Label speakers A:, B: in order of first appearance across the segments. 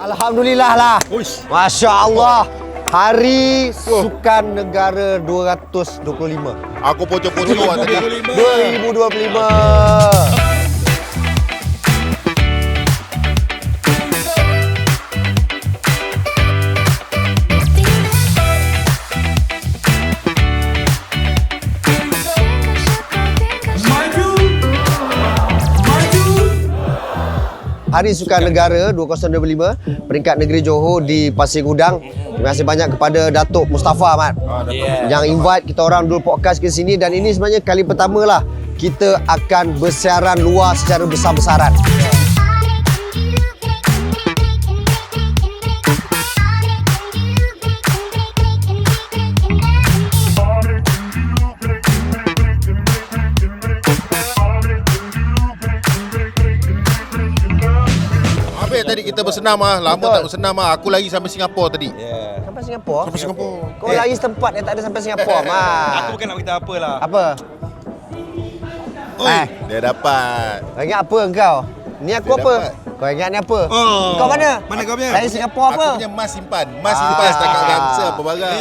A: Alhamdulillah lah. Masya Allah. Hari Sukan Negara 225.
B: Aku pocok-pocok tadi.
A: 2025. Hari Sukan Negara 2025, peringkat negeri Johor di Pasir Gudang. Terima kasih banyak kepada Datuk Mustafa Ahmad yang invite kita orang Dol Podcast ke sini, dan ini sebenarnya kali pertama lah kita akan bersiaran luar secara besar-besaran.
B: Tadi kita bersenam lama tak bersenam Aku lari sampai Singapura tadi.
A: Sampai Singapura?
B: Sampai Singapura.
A: Kau lari setempat yang tak ada sampai Singapura, Mat.
C: Aku bukan nak beritahu apa lah.
A: Apa?
B: Oi, dia dapat.
A: Kau ingat apa kau? Ni aku
B: Dia
A: apa?
B: dapat.
A: Kau ingat ni apa?
C: Oh.
A: Kau mana?
C: Mana kau punya?
A: Dari Singapura apa?
B: Aku punya mas simpan. Mas simpan setakat ramsa apa barang.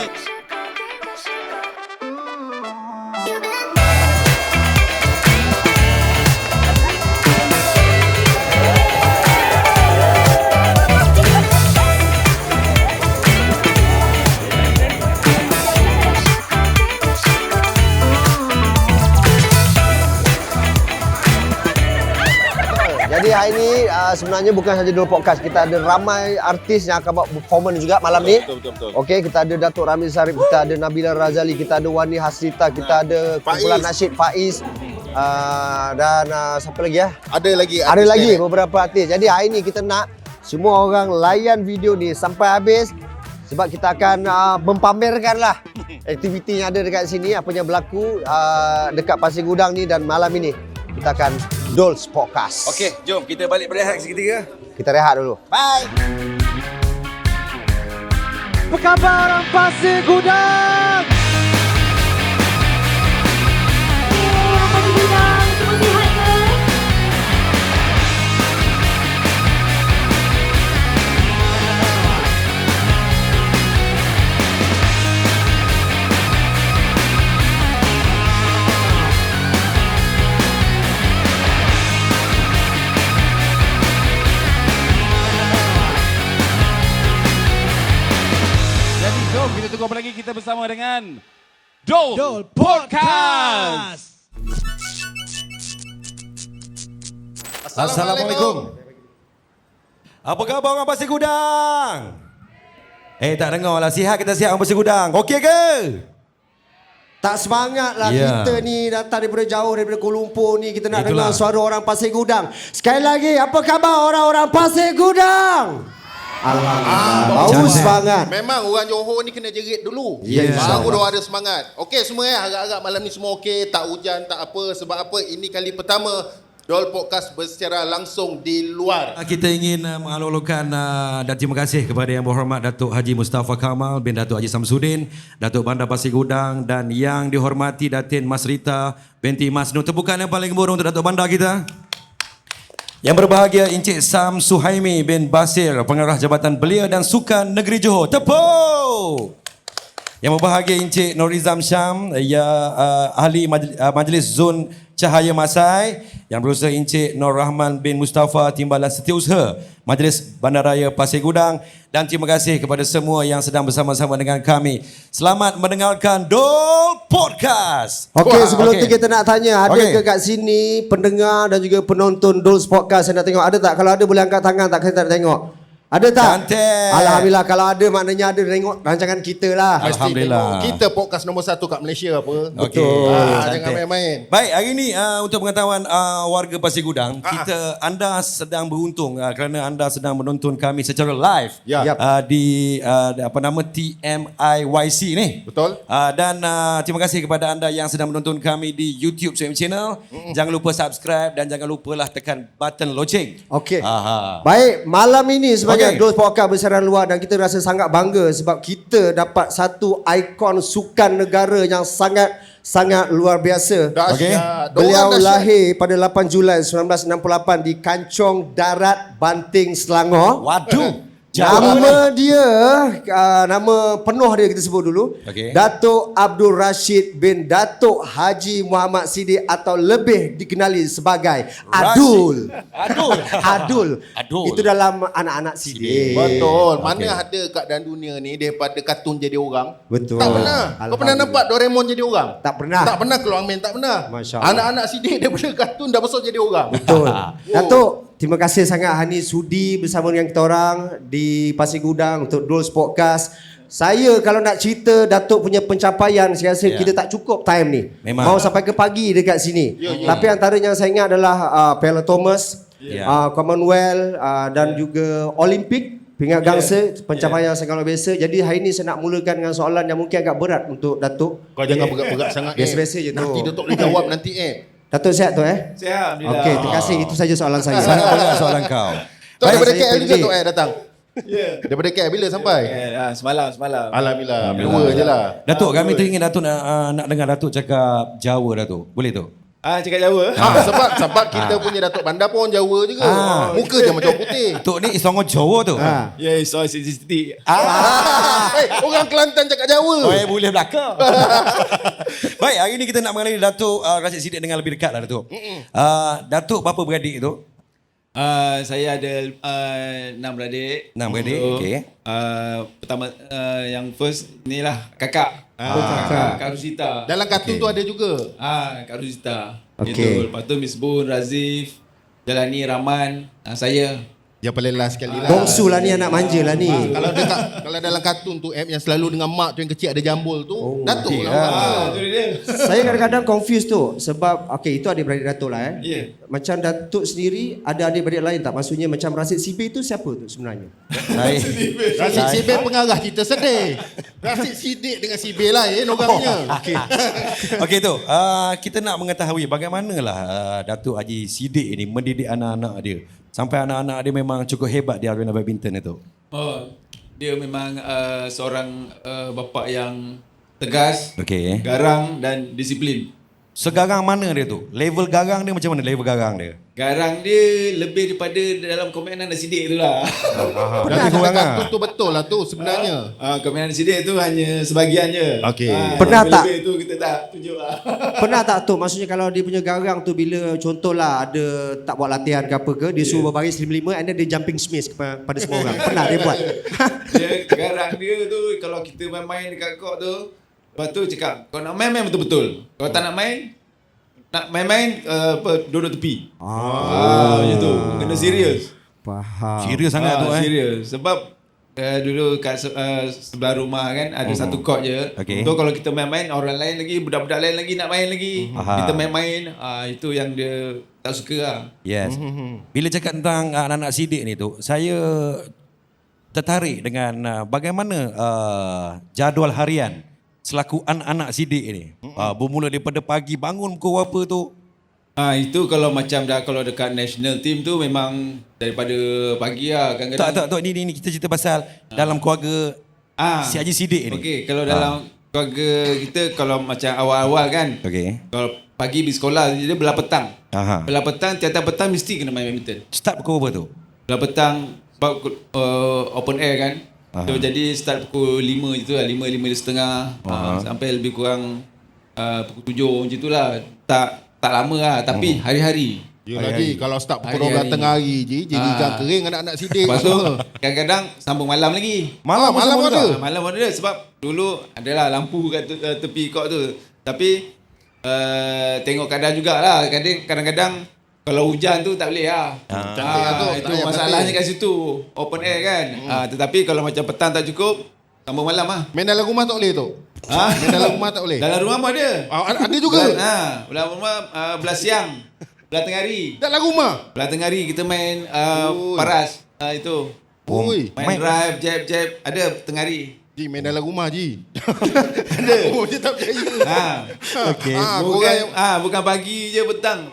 A: Jadi hari ni sebenarnya bukan saja Dol Podcast. Kita ada ramai artis yang akan buat performance juga malam ni.
B: Betul.
A: Okey, kita ada Datuk Ramli Sarip, kita ada Nabila Razali, kita ada Wani Hasrita, kita ada kumpulan nasyid Faiz. Dan siapa lagi ya?
B: Ada lagi.
A: Ada
B: artis
A: lagi
B: lain.
A: beberapa artis. Jadi hari ni kita nak semua orang layan video ni sampai habis, sebab kita akan mempamerkan lah aktiviti yang ada dekat sini, apa yang berlaku dekat Pasir Gudang ni, dan malam ini kita akan Dol's Podcast.
C: Okey, jom kita balik berehat seketika.
A: Kita rehat dulu.
C: Bye.
A: Apa khabar orang Pasir Gudang?
D: Pasir Gudang, semua sihat ke?
E: Jadi jom kita tunggu apa lagi, kita bersama dengan Dol Podcast.
C: Assalamualaikum. Apa khabar orang Pasir Gudang? Tak dengar lah. Sihat kita sihat orang Pasir Gudang. Okey ke?
A: Tak semangat lah
C: Ya.
A: kita ni datang daripada jauh, daripada Kuala Lumpur ni. Kita nak
C: Itulah.
A: dengar suara orang Pasir Gudang. Sekali lagi, apa khabar orang-orang Pasir Gudang? Alhamdulillah. Bagus
C: Cantik.
A: banget.
B: Memang orang Johor ni kena jerit dulu.
A: Yes.
B: Baru dia ada semangat. Okey semua harap-harap malam ni semua okey, tak hujan, tak apa. Sebab apa? Ini kali pertama Dol Podcast bersecara langsung di luar.
C: Kita ingin mengalul-alulkan dan terima kasih kepada Yang Berhormat Datuk Haji Mustafa Kamal bin Datuk Haji Samsudin, Datuk Bandar Pasir Gudang, dan yang dihormati Datin Mas Rita binti Mas Nur. Tepukan yang paling gemuruh untuk Datuk Bandar kita. Yang berbahagia Encik Sam Suhaimi bin Basir, Pengarah Jabatan Belia dan Sukan Negeri Johor. Tepuk! Yang berbahagia Encik Norizam Syam, Ahli Majlis Zon Cahaya Masai. Yang berusaha Encik Nur Rahman bin Mustafa, Timbalan Setiausaha Majlis Bandaraya Pasir Gudang. Dan terima kasih kepada semua yang sedang bersama-sama dengan kami. Selamat mendengarkan Dol Podcast.
A: Okey, sebelum tu
C: Okey.
A: kita nak tanya, ada
C: Okey.
A: ke kat sini pendengar dan juga penonton Dol's Podcast yang nak tengok? Ada tak? Kalau ada boleh angkat tangan tak? Kita nak tengok. Ada tak?
C: Cantik.
A: Alhamdulillah, kalau ada maknanya ada tengok rancangan kita lah.
B: Mesti
C: Alhamdulillah.
B: tengok. Kita podcast nombor 1 kat Malaysia apa.
C: Okey.
B: Jangan
C: Cantik.
B: main-main.
C: Baik, hari ini untuk pengetahuan warga Pasir Gudang, anda sedang beruntung kerana anda sedang menonton kami secara live
B: Ya.
A: Yap.
C: di apa nama TMIYC ni.
B: Betul.
C: Dan terima kasih kepada anda yang sedang menonton kami di YouTube channel. Jangan lupa subscribe dan jangan lupalah tekan button loceng.
A: Okey.
C: Aha.
A: Baik, malam ini sebagai
C: Okey.
A: Dol's Podcast bersiaran luar, dan kita rasa sangat bangga sebab kita dapat satu ikon sukan negara yang sangat luar biasa.
B: Dahsyat.
A: Beliau
B: Dorang dahsyat.
A: lahir pada 8 Julai 1968 di Kancong Darat, Banting, Selangor.
C: Waduh.
A: Nama dia, nama penuh dia kita sebut dulu.
C: Okey.
A: Datuk Abdul Rashid bin Datuk Haji Muhammad Siddiq atau lebih dikenali sebagai Adul. Adul. Itu dalam anak-anak Siddiq.
B: Betul. Mana ada kat dalam dunia ni daripada kartun jadi orang?
A: Betul.
B: Tak pernah. Kau pernah nampak Doraemon jadi orang?
A: Tak pernah.
B: Tak pernah keluar main, tak pernah.
A: Masya Allah.
B: Anak-anak Siddiq daripada kartun dah besar jadi orang.
A: Betul. Datuk, terima kasih sangat hari ni sudi bersama dengan kita orang di Pasir Gudang untuk Dol Podcast. Saya kalau nak cerita Datuk punya pencapaian, saya rasa kita tak cukup time ni.
C: Memang.
A: Mau sampai ke pagi dekat sini. Tapi antara yang saya ingat adalah Piala Thomas, Commonwealth dan juga Olimpik. Pingat gangsa, pencapaian yang sangat luar biasa. Jadi hari ni saya nak mulakan dengan soalan yang mungkin agak berat untuk Datuk.
B: Kau jangan berat-berat sangat.
A: Biasa-biasa je tu.
B: Nanti Datuk boleh jawab nanti
A: Datuk sihat tu
E: Sihat.
A: Okey, terima kasih. Itu saja soalan saya.
C: Sangat berat soalan kau.
B: Tok daripada
A: saya
B: KL juga
A: pendek.
B: Tok datang. Daripada KL bila sampai?
E: Semalam.
B: Alhamdulillah. Dua je lah.
C: Datuk, kami teringin Datuk nak dengar Datuk cakap Jawa, Datuk. Boleh tu?
E: Cakap Jawa.
B: Sebab kita punya Datuk Bandar pun Jawa juga. Muka je macam putih.
C: Datuk ni isongo Jawa tu.
E: Ya, soal Siti.
B: Orang Kelantan cakap Jawa.
C: Boleh belakang. Baik, hari ni kita nak mengenali Datuk Rashid Siddiq dengan lebih dekat lah, Datuk. Datuk berapa beradik tu?
E: Saya ada 6 beradik.
C: 6 beradik, okey.
E: Pertama yang first inilah kakak. Kak Rusita.
B: Dalam kartun tu ada juga.
E: Kak Rusita.
A: Okey.
E: Itu. Lepas tu Miss Bun, Razif, Jalani, Rahman, saya.
B: Yang paling last sekali lah.
A: Bongsu lah ni, anak manja lah ni.
B: Kalau dalam kartun tu yang selalu dengan mak tu yang kecil ada jambul tu, Datuk lah.
E: Itu dia.
A: Saya kadang-kadang confused tu sebab okey itu adik-beradik Datuk lah
E: Ya.
A: Macam Datuk sendiri ada adik-beradik lain tak? Maksudnya macam Rashid Siddiq tu siapa tu sebenarnya?
B: Rashid Siddiq pengarah cerita sedih. Rashid Siddiq dengan Sibir lain orangnya.
C: Okey tu, kita nak mengetahui bagaimanakah Datuk Haji Siddiq ini mendidik anak-anak dia. Sampai anak-anak dia memang cukup hebat di arena badminton itu.
E: Dia memang seorang bapa yang tegas,
C: Okey.
E: garang dan disiplin.
C: Segarang mana dia tu? Level garang dia macam mana level garang dia?
E: Garang dia lebih daripada dalam komenan dan sidik tu lah.
B: Dan dalam kartun tu betul lah tu sebenarnya.
E: Komenan dan sidik tu hanya sebahagian je.
B: Okey.
A: Pernah tak?
E: Lebih tu kita tak tunjuk lah.
A: Pernah tak tu? Maksudnya kalau dia punya garang tu bila contohlah ada tak buat latihan ke apa ke, dia suruh berbaris 5-5 and then dia jumping smash kepada semua orang. Pernah dia buat?
E: Dia garang dia tu kalau kita main-main dekat court tu, lepas tu cakap, kau nak main betul-betul. Kalau tak nak main duduk tepi. Macam tu. Kena serius.
A: Faham.
C: Serius sangat tu
E: Serius. Sebab dulu kat sebelah rumah kan ada satu court je.
C: Okey.
E: So kalau kita main-main, orang lain lagi, budak-budak lain lagi nak main lagi. Kita main-main, itu yang dia tak suka lah.
C: Yes. Bila cakap tentang anak-anak Siddiq ni tu, saya tertarik dengan bagaimana jadual harian selaku anak-anak Siddiq ni. Bermula daripada pagi bangun pukul berapa tu?
E: Itu kalau macam kalau dekat national team tu memang daripada pagi lah kadang-kadang.
C: Tak, ni kita cerita pasal dalam keluarga si Haji Siddiq ni.
E: Okey, kalau dalam keluarga kita kalau macam awal-awal kan.
C: Okey.
E: Kalau pagi pergi sekolah dia belah petang.
C: Aha.
E: Belah petang tiap-tiap petang mesti kena main badminton.
C: Start pukul berapa tu?
E: Belah petang sebab open air kan. So jadi start pukul 5 je tu lah, 5:30 sampai lebih kurang pukul 7 macam tu lah. Tak lama lah tapi hari-hari.
B: Ya lagi kalau start pukul 12 tengah hari je jadi ikan kering anak-anak Siddiq.
E: Lepas tu kadang-kadang sambung malam lagi.
B: Malam ada.
E: Malam ada sebab dulu adalah lampu kat tepi court tu. Tapi tengok keadaan jugalah. Kadang-kadang kalau hujan tu tak boleh lah.
B: Cantik lah tu.
E: Itu masalahnya kat situ. Open air kan. Tetapi kalau macam petang tak cukup, sambung malam lah.
B: Main dalam rumah tak boleh tu. Main dalam rumah tak boleh.
E: Dalam rumah pun ada.
B: Ada juga.
E: Dalam rumah belah siang. Belah tengah hari.
B: Dalam rumah.
E: Belah tengah hari kita main paras. Itu.
B: Oi.
E: Main drive, jab. Ada tengah hari.
B: Ji main dalam rumah Ji. Ada. Oh dia tak percaya.
C: Okey.
E: Bukan pagi je petang.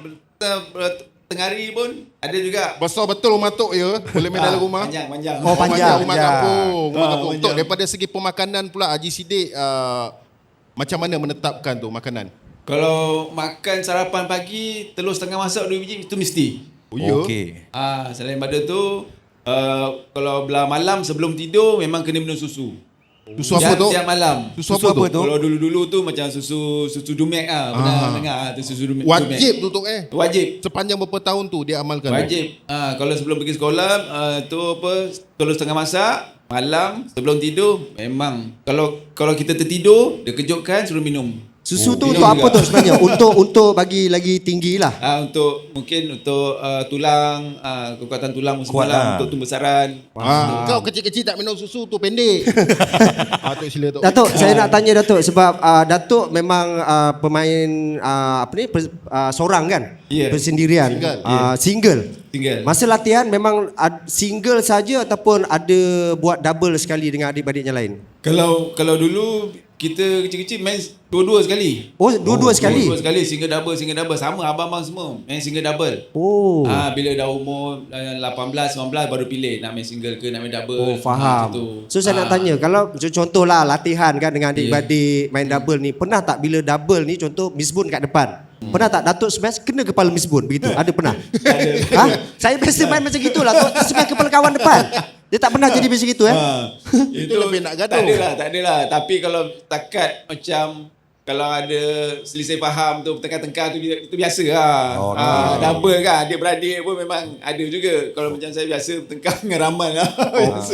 E: Tengah hari pun ada juga.
B: Besar betul rumah Tok ya. Boleh main dalam rumah.
E: Panjang.
A: Oh, panjang.
B: Rumah kampung. Rumah kampung.
E: panjang.
B: Tok daripada segi pemakanan pula Haji Siddiq macam mana menetapkan tu makanan?
E: Kalau makan sarapan pagi, telur setengah masak 2 biji itu mesti.
B: Oh ya.
C: Okey.
E: Selain pada tu kalau belah malam sebelum tidur memang kena minum susu.
B: Susu apa tu?
E: Tiap malam.
B: Susu apa tu?
E: Kalau dulu-dulu tu macam susu Dumek pernah dengar tu susu Dumek.
B: Wajib tu
E: Wajib.
B: Sepanjang berapa tahun tu dia amalkan?
E: Wajib. Kalau sebelum pergi sekolah tu apa telur setengah masak, malam sebelum tidur memang kalau kita tertidur dia kejutkan suruh minum.
A: Susu tu
E: minum
A: untuk apa
E: juga.
A: tu sebenarnya? Untuk bagi lagi tinggi lah.
E: Untuk tulang, kekuatan tulang
C: Kuat
E: semua
C: lah.
E: untuk pembesaran.
B: Kau kecil-kecil tak minum susu tu pendek. Tok sila Tok.
A: Datuk, saya nak tanya Datuk sebab Datuk memang pemain seorang kan?
E: Ya.
A: Bersendirian. Single.
E: Single.
A: Masa latihan memang single saja ataupun ada buat double sekali dengan adik-adiknya lain?
E: Kalau dulu kita kecil-kecil main dua-dua sekali.
A: Oh, dua-dua sekali?
E: Dua-dua sekali, single double. Sama abang-abang semua main single double.
A: Oh.
E: Bila dah umur 18, 19 baru pilih nak main single ke nak main double.
A: Oh, faham. So saya nak tanya, kalau contohlah latihan kan dengan adik-beradik main double ni, pernah tak bila double ni contoh Miss Bun kat depan? Pernah tak Datuk smash kena kepala Miss Bun begitu? Ada pernah? Saya biasa main macam gitulah, smash kepala kawan depan. Dia tak pernah jadi macam gitu
E: Itu
B: lebih nak gaduh.
E: Tak adalah. Tapi kalau takat macam kalau ada selisih faham tu tengkar-tengkar tu itu biasa lah. Double kan adik-beradik pun memang ada juga. Kalau macam saya biasa tengkar dengan Raman lah. Biasa.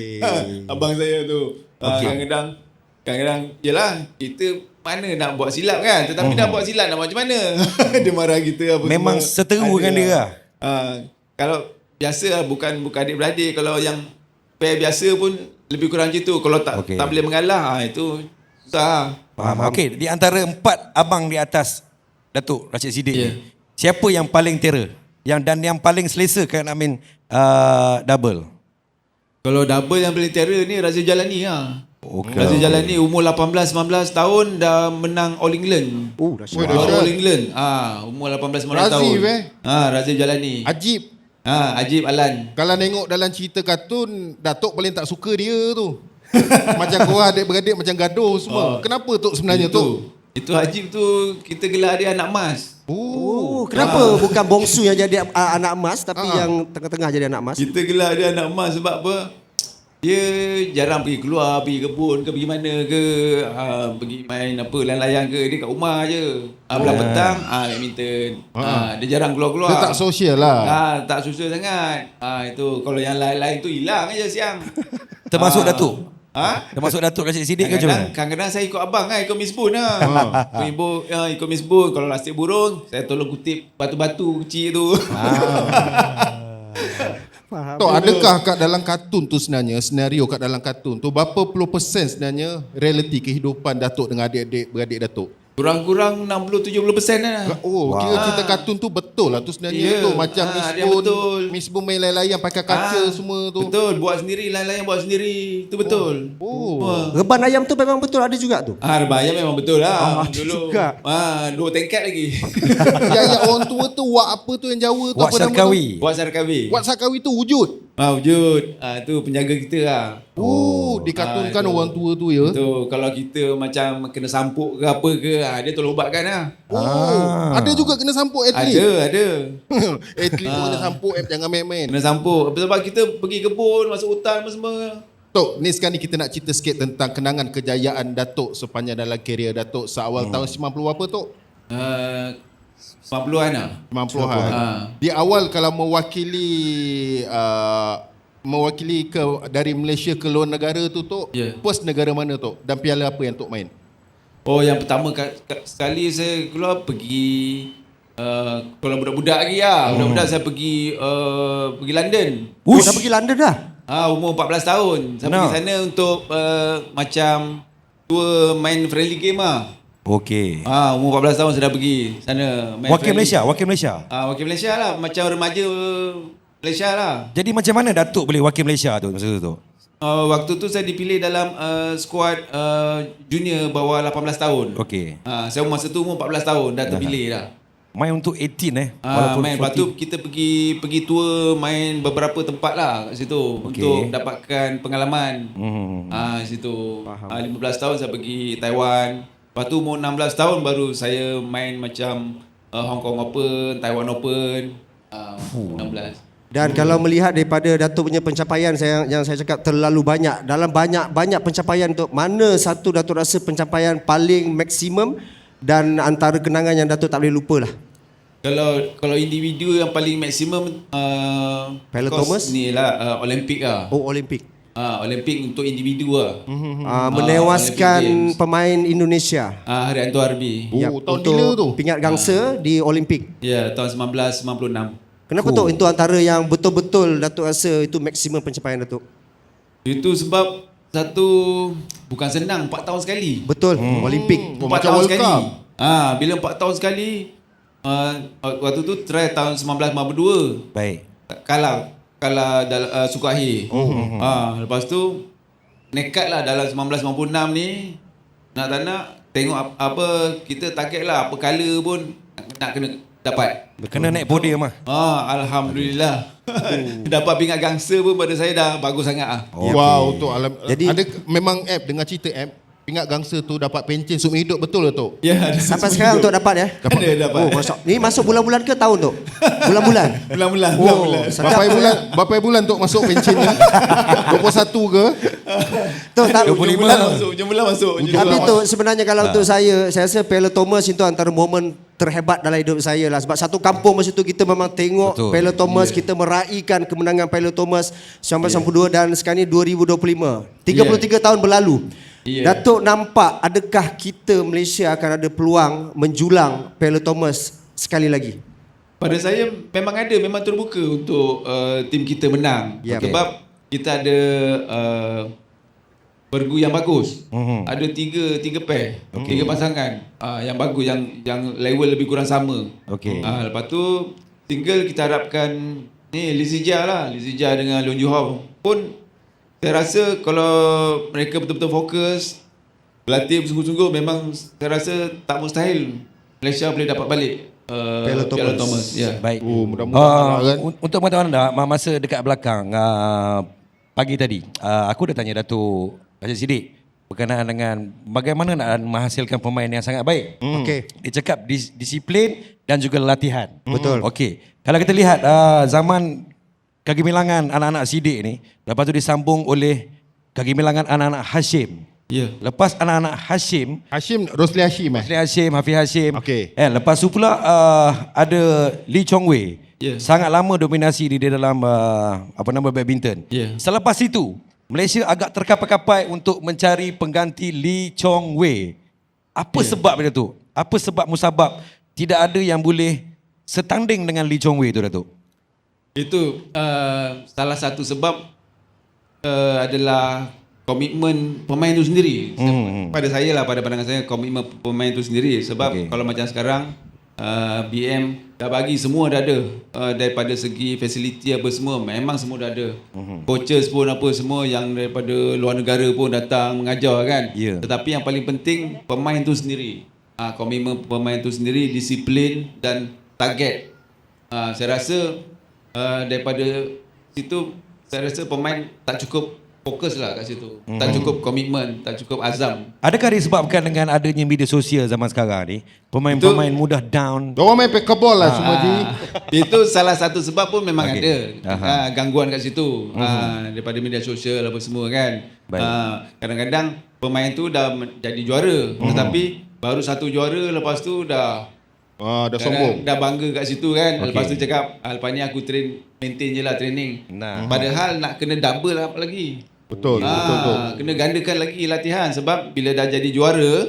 E: Abang saya tu. Kadang-kadang yelah kita mana nak buat silap kan, tetapi dah buat silap nak buat macam mana? Dia marah kita apa
C: Memang
E: semua.
C: seteru dengan dia lah.
E: Kalau biasa lah, bukan adik-beradik. Kalau yang pair biasa pun lebih kurang macam tu. Kalau tak boleh mengalah, itu susah.
C: Faham. Okey, di antara 4 abang di atas Datuk Rashid Siddiq ni, siapa yang paling terror? Yang paling selesa kan nak main double?
E: Kalau double yang paling terror ni Razif Jalani lah.
C: Okay.
E: Razif Jalani umur 18-19 tahun dah menang All England.
A: Dahsyat.
E: All England. Umur 18-19 tahun. Razif Jalani.
B: Ajib.
E: Ajib Alan.
B: Kalau tengok dalam cerita kartun, Datuk paling tak suka dia tu. Macam korang adik-beradik macam gaduh semua. Kenapa Tok sebenarnya Tok?
E: Itu Ajib tu kita gelar dia anak emas.
A: Kenapa bukan bongsu yang jadi anak emas tapi yang tengah-tengah jadi anak emas?
E: Kita gelar dia anak emas sebab apa? Dia jarang pergi keluar, pergi kebun ke pergi mana ke, pergi main apa layang-layang ke, dia kat rumah je. Belah petang badminton. Dia jarang keluar-keluar.
B: Dia tak sosial lah.
E: Tak sosial sangat. Itu kalau yang lain-lain tu hilang aja siang.
C: Termasuk Datuk? Termasuk Datuk Rashid Siddiq ke macam mana?
E: Kadang-kadang saya ikut abang ikut Miss Bun lah. Ikut Miss Bun. Kalau lastik burung, saya tolong kutip batu-batu kecil tu.
B: Tok, adakah kat dalam kartun tu sebenarnya, senario kat dalam kartun tu, berapa puluh persen sebenarnya realiti kehidupan Datuk dengan adik-adik beradik Datuk?
E: Kurang-kurang 60-70% lah.
B: Kira cerita kartun tu betul lah tu sebenarnya tu. Macam Miss Bun main layang-layang pakai kaca semua tu.
E: Betul, buat sendiri, layang-layang buat sendiri. Itu betul.
A: Reban ayam tu memang betul ada juga tu?
E: Reban ayam memang betul lah.
A: Ada
E: Dulu.
A: juga.
E: 2 tingkat lagi.
B: Yang orang tua tu wak apa tu yang Jawa tu?
C: Wak
B: apa nama tu?
C: Sarkawi.
E: Wak Sarkawi.
B: Wak Sarkawi tu wujud.
E: Wujud. Tu penjaga kita lah.
B: Dikartunkan orang tua tu ya.
E: Betul. Kalau kita macam kena sampuk ke apa ke, dia tolong ubatkan lah.
B: Ada juga kena sampuk atlet.
E: Ada.
B: Atlet tu kena sampuk, jangan main-main.
E: Kena sampuk. Sebab kita pergi kebun, masuk hutan apa semua.
B: Tok, ni sekarang ni kita nak cerita sikit tentang kenangan kejayaan Datuk sepanjang dalam kerjaya Datuk seawal tahun 90 apa Tok?
E: 90-an lah.
B: 90-an. Di awal kalau mewakili ke dari Malaysia ke luar negara tu Tok, first negara mana Tok? Dan piala apa yang Tok main?
E: Yang pertama sekali saya keluar pergi kalau budak-budak lagi lah. Budak-budak saya pergi London.
A: Dah pergi London dah?
E: Umur 14 tahun. Saya pergi sana untuk macam tour main friendly game lah.
C: Okey.
E: Umur 14 tahun saya dah pergi sana main
C: Wakil
E: friendly.
C: Malaysia?
E: Wakil Malaysia lah. Macam remaja Malaysia lah.
C: Jadi macam mana Datuk boleh wakil Malaysia tu masa tu?
E: Waktu tu saya dipilih dalam skuad junior bawah 18 tahun.
C: Okey.
E: Saya masa tu umur 14 tahun dah terpilih dah.
C: Main untuk 18
E: Main. Lepas tu kita pergi tour main beberapa tempat lah kat situ untuk dapatkan pengalaman. Situ. 15 tahun saya pergi Taiwan. Lepas tu umur 16 tahun baru saya main macam Hong Kong Open, Taiwan Open. 16.
A: Dan kalau melihat daripada Datuk punya pencapaian yang saya cakap terlalu banyak. Dalam banyak pencapaian tu, mana satu Datuk rasa pencapaian paling maksimum dan antara kenangan yang Datuk tak boleh lupa lah?
E: Kalau individu yang paling maksimum
A: Pilot
E: of course,
A: Thomas?
E: ni lah Olimpik lah.
A: Oh, Olimpik.
E: Olimpik untuk individu lah.
A: Menewaskan
E: Olympic Games.
A: pemain Indonesia.
E: Harianto Arbi.
A: Ya,
B: tahun
A: untuk
B: bila tu?
A: pingat gangsa di Olimpik.
E: Ya, tahun 1996.
A: Kenapa Tok itu antara yang betul-betul Datuk rasa itu maksimum pencapaian Datuk?
E: Itu sebab satu bukan senang 4 tahun sekali.
A: Betul, Olimpik.
E: 4
B: macam
E: tahun
B: World
E: sekali.
B: Cup.
E: Bila 4 tahun sekali, waktu tu try tahun 1952.
C: Baik.
E: Kalah suku akhir. Lepas tu nekat lah dalam 1996 ni, nak tak nak tengok apa kita target lah, apa color pun nak kena dapat.
C: Kena naik podium lah.
E: Alhamdulillah. Dapat pingat gangsa pun pada saya dah bagus sangat ah.
B: Wow, tu
A: Jadi-
B: ada memang app dengar cerita app pingat gangsa tu dapat pencen seumur hidup, betul ke tu?
E: Ya, ada
A: Sampai sekarang untuk dapat ya?
E: Ada dapat.
A: Oh, ni masuk bulan-bulan ke tahun tu? Bulan-bulan?
E: Bulan-bulan.
A: Oh,
B: Berapa bulan tu masuk pencen ni? 21 ke?
A: tu tak,
C: 25
E: Hujung bulan masuk.
A: tapi tu sebenarnya kalau untuk saya rasa Pilot Thomas itu antara momen terhebat dalam hidup saya lah. Sebab satu kampung masa tu kita memang tengok
C: Betul.
A: Pilot Thomas, kita meraihkan kemenangan Pilot Thomas 1992 dan sekarang ni 2025. 33 tahun berlalu. Datuk nampak adakah kita Malaysia akan ada peluang menjulang Pilot Thomas sekali lagi?
E: Pada saya memang terbuka untuk tim kita menang.
A: Ya.
E: Sebab kita ada pergu yang bagus. Ada tiga pair, tiga pasangan yang bagus, yang level lebih kurang sama.
C: Okey.
E: Lepas tu tinggal kita harapkan ni Lizija lah, Lizija dengan Leong Joo Hao pun saya rasa kalau mereka betul-betul fokus berlatih bersungguh-sungguh, memang saya rasa tak mustahil Malaysia boleh dapat balik Piala Thomas. Ya.
C: Baik.
B: Mudah-mudahan kan.
C: Untuk pengetahuan anda, masa dekat belakang pagi tadi, aku dah tanya Datuk Haji Siddiq berkenaan dengan bagaimana nak menghasilkan pemain yang sangat baik.
A: Okey.
C: Dia cakap disiplin dan juga latihan.
A: Betul.
C: Okey. Kalau kita lihat zaman kegemilangan anak-anak Siddiq ni, lepas tu disambung oleh kegemilangan anak-anak Hashim.
E: Ya.
C: Lepas anak-anak Hashim,
B: Rosli Hashim
C: Hasli Hashim, Hafiz Hashim.
B: Okey.
C: Lepas tu pula ada Lee Chong Wei.
E: Ya.
C: Sangat lama dominasi di dalam badminton.
E: Ya.
C: Selepas itu, Malaysia agak terkapai-kapai untuk mencari pengganti Lee Chong Wei. Apa sebab dia tu? Apa sebab musabab tidak ada yang boleh setanding dengan Lee Chong Wei tu, Datuk?
E: Itu salah satu sebab adalah komitmen pemain itu sendiri. Pada saya lah, pada pandangan saya, komitmen pemain itu sendiri. Sebab kalau macam sekarang BM dah bagi semua dah ada, daripada segi fasiliti apa semua memang semua dah ada. Coaches pun apa semua yang daripada luar negara pun datang mengajar kan. Tetapi yang paling penting pemain itu sendiri. Komitmen pemain itu sendiri, disiplin dan target. Saya rasa daripada situ saya rasa pemain tak cukup fokus lah kat situ. Tak cukup komitmen, tak cukup azam.
C: Adakah disebabkan dengan adanya media sosial zaman sekarang ni, pemain-pemain mudah down?
B: Diorang main pickleball lah semua Ji.
E: Itu salah satu sebab pun memang
C: Okey.
E: ada gangguan kat situ. Daripada media sosial apa semua kan. Kadang-kadang pemain tu dah jadi juara, tetapi baru satu juara, lepas tu dah
B: Dah sombong.
E: dah bangga kat situ kan. Lepas tu cakap lepas ni aku maintain je lah training. Padahal nak kena double apa lagi.
B: Betul.
E: Kena gandakan lagi latihan, sebab bila dah jadi juara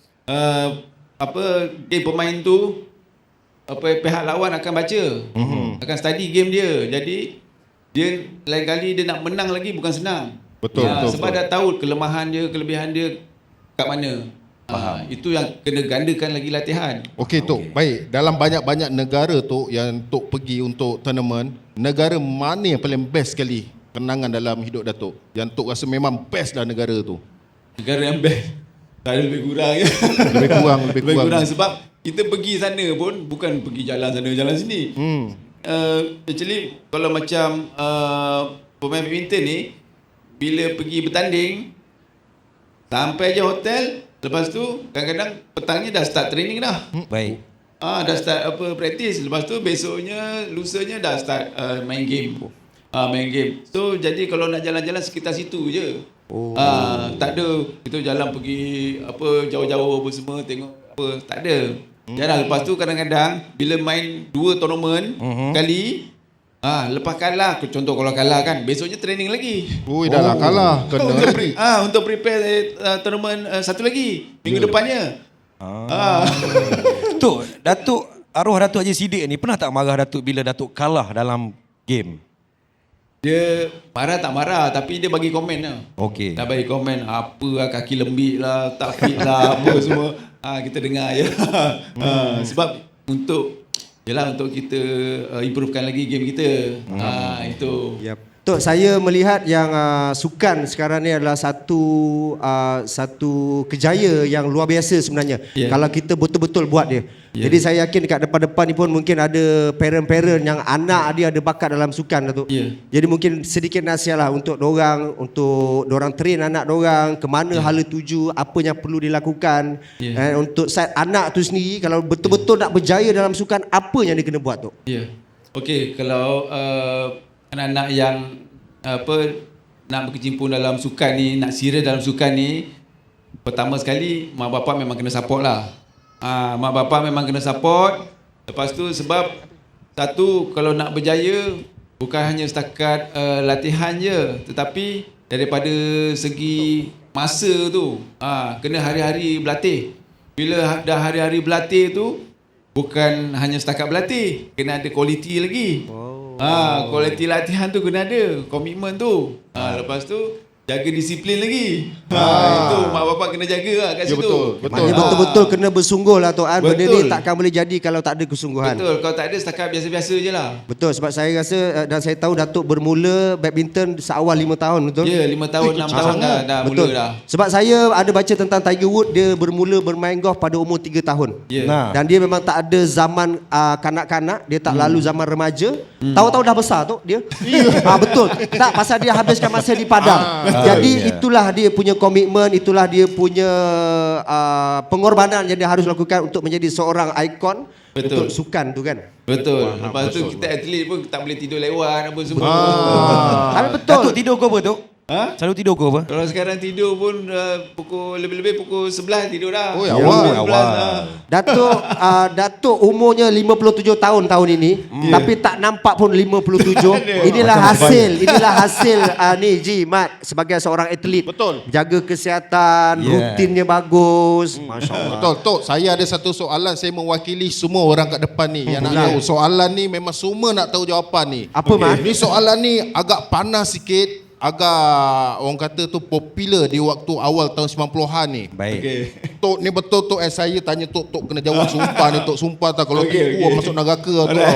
E: pemain tu pihak lawan akan baca, akan study game dia. Jadi dia lain kali dia nak menang lagi bukan senang.
B: Betul.
E: Sebab dah tahu kelemahan dia, kelebihan dia kat mana. Itu yang kena gandakan lagi latihan.
B: Okey Tok, baik. Dalam banyak-banyak negara Tok yang Tok pergi untuk tournament, negara mana yang paling best sekali kenangan dalam hidup Datuk? Yang Tok rasa memang best dah negara tu.
E: Negara yang best tak ada lebih kurang je.
B: Lebih kurang.
E: Sebab kita pergi sana pun bukan pergi jalan sana jalan sini. Actually kalau macam pemain badminton ni, bila pergi bertanding sampai je hotel, lepas tu kadang-kadang petangnya dah start training dah.
C: Baik.
E: dah start practice. Lepas tu besoknya, lusanya dah start main game. Main game. So jadi kalau nak jalan-jalan sekitar situ je. Tak ada kita jalan pergi jauh-jauh apa semua tengok apa, tak ada. Jarang. Lepas tu kadang-kadang bila main 2 tournament kali, lepas kalah, contoh kalau kalah kan, besoknya training lagi.
B: Ui, dah lah kalah. Kena lagi.
E: Untuk prepare tournament satu lagi minggu depannya.
C: Tok, Datuk arwah Datuk Haji Siddiq ni pernah tak marah Datuk bila Datuk kalah dalam game?
E: Dia marah tak marah, tapi dia bagi komen lah.
C: Okey.
E: Dah bagi komen, apa lah, kaki lembik lah, tak fit lah, apa semua. Kita dengar je. Sebab untuk kita improvekan lagi game kita. Itu.
F: Yep. Tok, saya melihat yang sukan sekarang ni adalah satu kejaya yang luar biasa sebenarnya. Kalau kita betul-betul buat dia. Jadi saya yakin dekat depan-depan ni pun mungkin ada parent-parent yang anak dia ada bakat dalam sukan tu. Jadi mungkin sedikit nasihat lah untuk dorang train anak dorang ke mana hala tuju, apa yang perlu dilakukan. Untuk side anak tu sendiri, kalau betul-betul nak berjaya dalam sukan, apa yang dia kena buat tu?
E: Okey, kalau anak-anak yang nak berkecimpung dalam sukan ni, nak serius dalam sukan ni, pertama sekali mak bapak memang kena support lah. Mak bapak memang kena support. Lepas tu sebab satu, kalau nak berjaya bukan hanya setakat latihan je, tetapi daripada segi masa tu kena hari-hari berlatih. Bila dah hari-hari berlatih tu, bukan hanya setakat berlatih, kena ada kualiti lagi. Kualiti latihan tu kena ada, komitmen tu. Lepas tu jaga disiplin lagi. Itu mak bapak kena jaga lah kat situ.
F: Maknanya betul-betul kena bersungguh lah Tok. Benda ni takkan boleh jadi kalau tak ada kesungguhan.
E: Betul, kalau tak ada setakat biasa-biasa je lah.
F: Betul, sebab saya rasa dan saya tahu Datuk bermula badminton seawal 5 tahun, betul?
E: Ya, 5 tahun, 6 tahun dah
F: betul.
E: mula dah.
F: Sebab saya ada baca tentang Tiger Woods, dia bermula bermain golf pada umur 3 tahun. Dan dia memang tak ada zaman kanak-kanak, dia tak lalu zaman remaja. Tahu-tahu dah besar tu dia. Betul. Tak, pasal dia habiskan masa di padang. Jadi itulah dia punya komitmen, itulah dia punya pengorbanan yang dia harus lakukan untuk menjadi seorang ikon untuk sukan tu kan.
E: Betul. Lepas tu kita atlet pun tak boleh tidur lewat apa semua.
F: Tapi betul.
C: Datuk tidur kau apa Tok? Selalu tidur kau apa?
E: Kalau sekarang tidur pun lebih-lebih pukul 11 tidur dah.
B: Oh, awal.
F: Datuk umurnya 57 tahun ini, tapi tak nampak pun 57. Inilah hasil ni Ji Mat sebagai seorang atlet.
B: Betul.
F: Jaga kesihatan, rutinnya bagus. Masya-Allah.
B: Betul, Tok. Saya ada satu soalan, saya mewakili semua orang kat depan ni yang nak tahu. Soalan ni memang semua nak tahu jawapan ni.
F: Apa Mat?
B: Ni soalan ni agak panas sikit, agak orang kata tu popular di waktu awal tahun 90-an ni.
C: Baik.
B: Tok ni betul Tok, saya tanya Tok kena jawab sumpah ni Tok, sumpah tak kalau tipu masuk neraka Tok.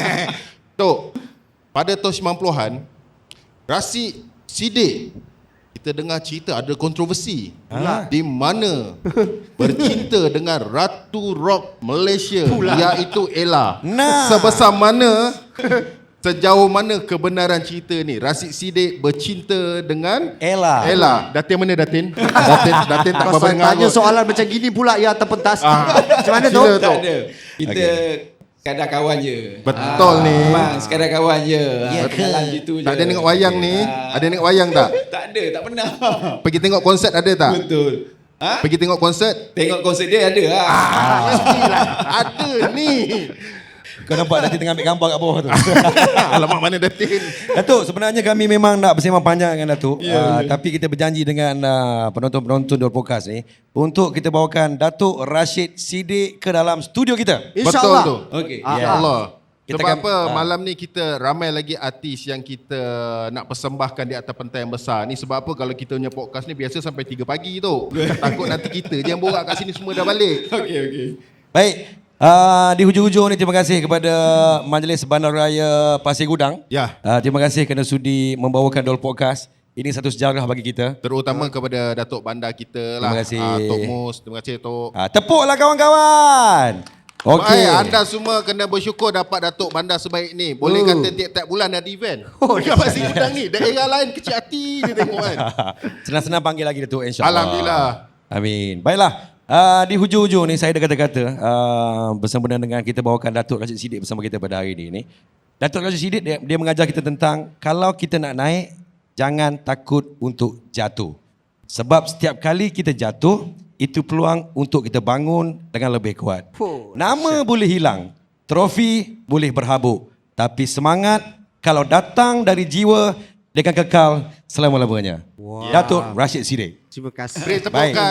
B: Tok, pada tahun 90-an Rasid Siddiq, kita dengar cerita ada kontroversi di mana bercinta dengan Ratu Rock Malaysia iaitu Ella. Sebesar mana, sejauh mana kebenaran cerita ni? Rasid Siddiq bercinta dengan Ella. Datin mana Datin? Datin tak apa dengar.
F: Tanya soalan macam gini pula ya terpentas. Macam mana tu?
E: Tak ada. Kita sekadar kawan je.
B: Betul ni.
E: Memang sekadar kawan je. Jalan gitu je.
B: Tak ada tengok wayang ni? Ada tengok wayang tak?
E: Tak ada, tak pernah.
B: Pergi tengok konsert ada tak?
E: Betul.
B: Pergi tengok konsert?
E: Tengok konsert dia ada lah.
B: Mestilah ada ni.
C: Kau nampak Datin tengah ambil gambar kat bawah tu.
B: Alamak, mana Datin?
C: Datuk, sebenarnya kami memang nak bersembang panjang dengan Datuk. Tapi kita berjanji dengan penonton-penonton Dor Podcast ni untuk kita bawakan Datuk Rasid Siddiq ke dalam studio kita.
B: Betul tu.
E: Okey.
B: InsyaAllah.
C: Kita
B: Sebab
C: akan-
B: apa malam ni kita ramai lagi artis yang kita nak persembahkan di atas pentas yang besar ni. Sebab apa kalau kita punya podcast ni biasa sampai 3 pagi tu. Takut nanti kita je yang borak kat sini semua dah balik.
E: Okey.
C: Baik. Di hujung-hujung ni terima kasih kepada Majlis Bandaraya Pasir Gudang.
B: Ya.
C: Terima kasih kerana sudi membawakan Dol Podcast. Ini satu sejarah bagi kita.
B: Terutama kepada Datuk Bandar kita lah.
C: Terima kasih.
B: Tok Mus, terima kasih Tok.
C: Tepuklah kawan-kawan. Okey.
B: Baik, anda semua kena bersyukur dapat Datuk Bandar sebaik ni. Boleh kata tiap-tiap bulan ada event. Dekat Pasir Gudang ni. Daerah lain kecil hati dia tengok kan.
C: Senang-senang panggil lagi Datuk, insya-Allah.
B: Alhamdulillah.
C: Amin. Baiklah. Di hujung-hujung ni saya ada kata-kata bersempena dengan kita bawakan Datuk Rashid Siddiq bersama kita pada hari ini. Datuk Rashid Siddiq dia mengajar kita tentang kalau kita nak naik, jangan takut untuk jatuh. Sebab setiap kali kita jatuh, itu peluang untuk kita bangun dengan lebih kuat. Nama boleh hilang, trofi boleh berhabuk, tapi semangat kalau datang dari jiwa, dia akan kekal selama-lamanya. Datuk Rashid Siddiq.
F: Terima kasih.
B: Beri tepukan.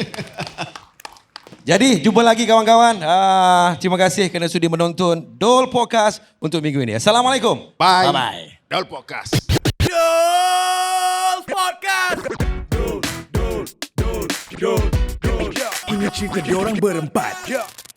C: Jadi, jumpa lagi kawan-kawan. Terima kasih kerana sudi menonton Dol Podcast untuk minggu ini. Assalamualaikum.
B: Bye.
C: Bye-bye.
B: Dol Podcast.
G: Ini cerita diorang berempat.